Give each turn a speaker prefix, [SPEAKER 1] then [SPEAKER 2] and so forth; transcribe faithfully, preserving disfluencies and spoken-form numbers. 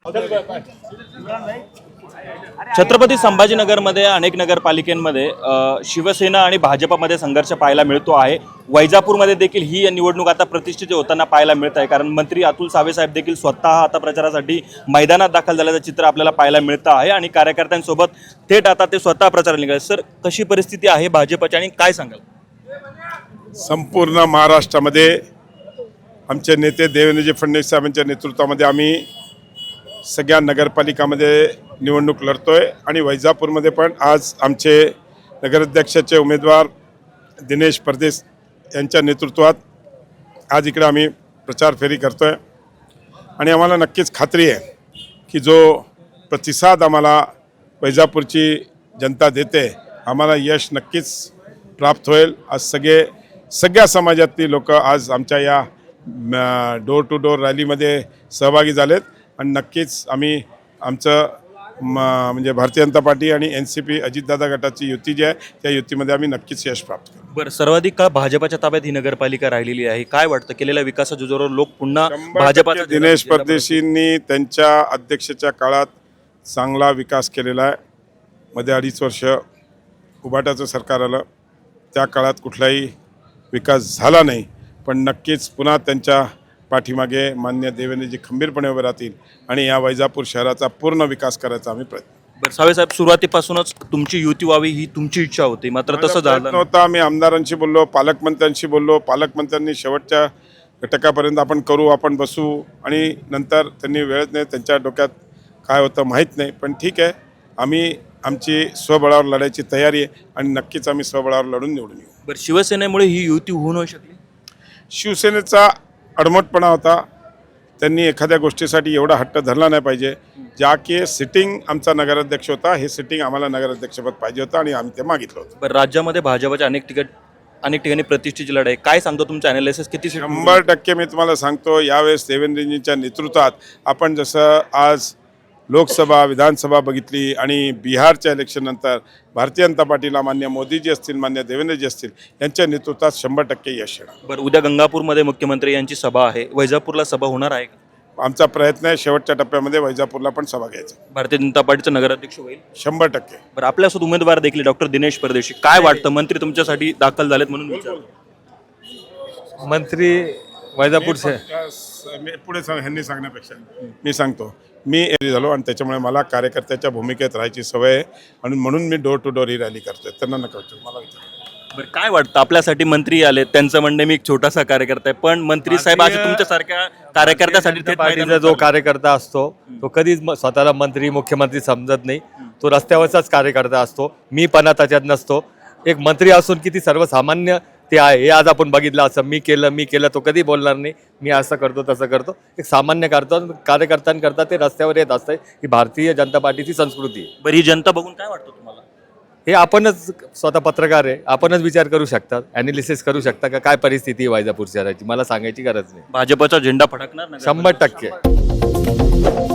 [SPEAKER 1] छत्रपती संभाजीनगरमध्ये अनेक नगरपालिकांमध्ये शिवसेना आणि भाजपमध्ये संघर्ष पाहायला मिळतो आहे। वैजापूरमध्ये देखील ही निवडणूक आता प्रतिष्ठित होताना पाहायला मिळत आहे, कारण मंत्री अतुल सावे साहेब देखील स्वतः आता प्रचारासाठी मैदानात दाखल झाल्याचं चित्र आपल्याला पाहायला मिळतं आहे आणि कार्यकर्त्यांसोबत थेट आता ते स्वतः प्रचाराला निघाले। सर, कशी परिस्थिती आहे भाजपची आणि काय सांगाल?
[SPEAKER 2] संपूर्ण महाराष्ट्रामध्ये आमचे नेते देवेंद्रजी फडणवीस साहेबांच्या नेतृत्वामध्ये आम्ही सगळ्या नगरपालिकामध्ये निवडणूक लढतोय आणि वैजापूरमध्ये पण आज आमचे नगराध्यक्षाचे उमेदवार दिनेश परदेस यांच्या नेतृत्वात आज इकडे आम्ही प्रचार फेरी करतोय आणि आम्हाला नक्कीच खात्री आहे की जो प्रतिसाद आम्हाला वैजापूरची जनता देते, आम्हाला यश नक्कीच प्राप्त होईल। आज सगळे सगळ्या समाजातली लोक आज आमच्या या डोर टू डोर रॅलीमध्ये सहभागी झालेत आणि नक्कीच आम्ही आमचं म्हणजे भारतीय जनता पार्टी आणि एन सी पी अजितदादा गटाची युती जी आहे त्या युतीमध्ये आम्ही नक्कीच यश प्राप्त करू।
[SPEAKER 1] बरं, सर्वाधिक काळ भाजपाच्या ताब्यात ही नगरपालिका राहिलेली आहे, काय वाटतं केलेल्या विकासाच्या जोरावर लोक पुन्हा भाजपाच्या?
[SPEAKER 2] दिनेश परदेशींनी त्यांच्या अध्यक्षाच्या काळात चांगला विकास केलेला आहे। मध्ये अडीच वर्ष उभाटाचं सरकार आलं, त्या काळात कुठलाही विकास झाला नाही, पण नक्कीच पुन्हा त्यांच्या पाठीमागे मान्य देवेंद्रजी खंबीरपणे उभे राहतील आणि या वैजापूर शहराचा पूर्ण विकास करायचा आम्ही प्रयत्न।
[SPEAKER 1] बरं सावे साहेब, सुरुवातीपासूनच तुमची युती व्हावी ही तुमची इच्छा होती, मात्र तसं झालं
[SPEAKER 2] नव्हतं। आम्ही आमदारांशी बोललो, पालकमंत्र्यांशी बोललो, पालकमंत्र्यांनी शेवटच्या घटकापर्यंत आपण करू, आपण बसू आणि नंतर त्यांनी वेळच नाही, त्यांच्या डोक्यात काय होतं माहीत नाही, पण ठीक आहे, आम्ही आमची स्वबळावर लढायची तयारी आहे आणि नक्कीच आम्ही स्वबळावर लढून निवडून येऊ।
[SPEAKER 1] बरं, शिवसेनेमुळे ही युती होऊ न शकली?
[SPEAKER 2] शिवसेनेचा अडमटपणा होता, त्यांनी एखाद्या गोष्टीसाठी एवढा हट्ट धरला नाही पाहिजे। ज्या की सिटिंग आमचा नगराध्यक्ष होता, हे सिटिंग आम्हाला नगराध्यक्षपद पाहिजे होतं आणि आम्ही ते मागितलं होतं।
[SPEAKER 1] बरं, राज्यामध्ये भाजपच्या अनेक ठिकाणी अनेक ठिकाणी प्रतिष्ठेची लढाई, काय सांगतो तुमचं ॲनालिसिस? किती?
[SPEAKER 2] शंभर टक्के मी तुम्हाला सांगतो, यावेळेस देवेंद्रजींच्या नेतृत्वात आपण जसं आज लोकसभा विधानसभा बघितली आणि बिहारच्या इलेक्शननंतर भारतीय जनता पार्टीला मान्य मोदीजी असतील, मान्य देवेंद्रजी असतील, यांच्या नेतृत्वात शंभर टक्के यश येणार।
[SPEAKER 1] बरं, उद्या गंगापूरमध्ये मुख्यमंत्री यांची सभा आहे, वैजापूरला सभा होणार आहे का?
[SPEAKER 2] आमचा प्रयत्न आहे शेवटच्या टप्प्यामध्ये वैजापूरला पण सभा घ्यायचा।
[SPEAKER 1] भारतीय जनता पार्टीचं नगराध्यक्ष होईल शंभर
[SPEAKER 2] टक्के।
[SPEAKER 1] बरं, आपल्यासोबत उमेदवार देखील डॉक्टर दिनेश परदेशी, काय वाटतं? मंत्री तुमच्यासाठी दाखल झालेत म्हणून विचारतो।
[SPEAKER 3] मंत्री वैजापूरचे
[SPEAKER 2] मी पुढे सांग ह्यांनी सांगण्यापेक्षा मी सांगतो, मी एरी झालो आणि त्याच्यामुळे मला कार्यकर्त्याच्या भूमिकेत राहायची सवय आहे आणि म्हणून मी डोर टू डोर ही रॅली करतोय। त्यांना नका विचारू, मला विचार।
[SPEAKER 1] बरं, काय वाटतं आपल्यासाठी मंत्री आले, त्यांचं म्हणणं मी एक छोटासा कार्यकर्ता आहे, पण मंत्री साहेब असे तुमच्यासारख्या कार्यकर्त्यासाठी थेट
[SPEAKER 3] पार्टीचा जो कार्यकर्ता असतो तो कधीच स्वतःला मंत्री मुख्यमंत्री समजत नाही, तो रस्त्यावरचाच कार्यकर्ता असतो। मी पणा त्याच्यात नसतो। एक मंत्री असून किती सर्वसामान्य ते आहे हे आज आपण बघितलं। असं मी केलं मी केलं तो कधी बोलणार नाही, मी असं करतो तसं करतो। एक सामान्य करतो कार्यकर्त्यांकरता ते रस्त्यावर येत असतं, ही भारतीय जनता पार्टीची संस्कृती आहे।
[SPEAKER 1] बरी जनता बघून काय वाटतं तुम्हाला?
[SPEAKER 3] हे आपणच स्वतः पत्रकार आहे, आपणच विचार करू शकतात, ॲनालिसिस करू शकता का काय परिस्थिती आहे वैजापूर शहराची, मला सांगायची गरज नाही।
[SPEAKER 1] भाजपचा झेंडा फडकणार
[SPEAKER 3] शंभर टक्के।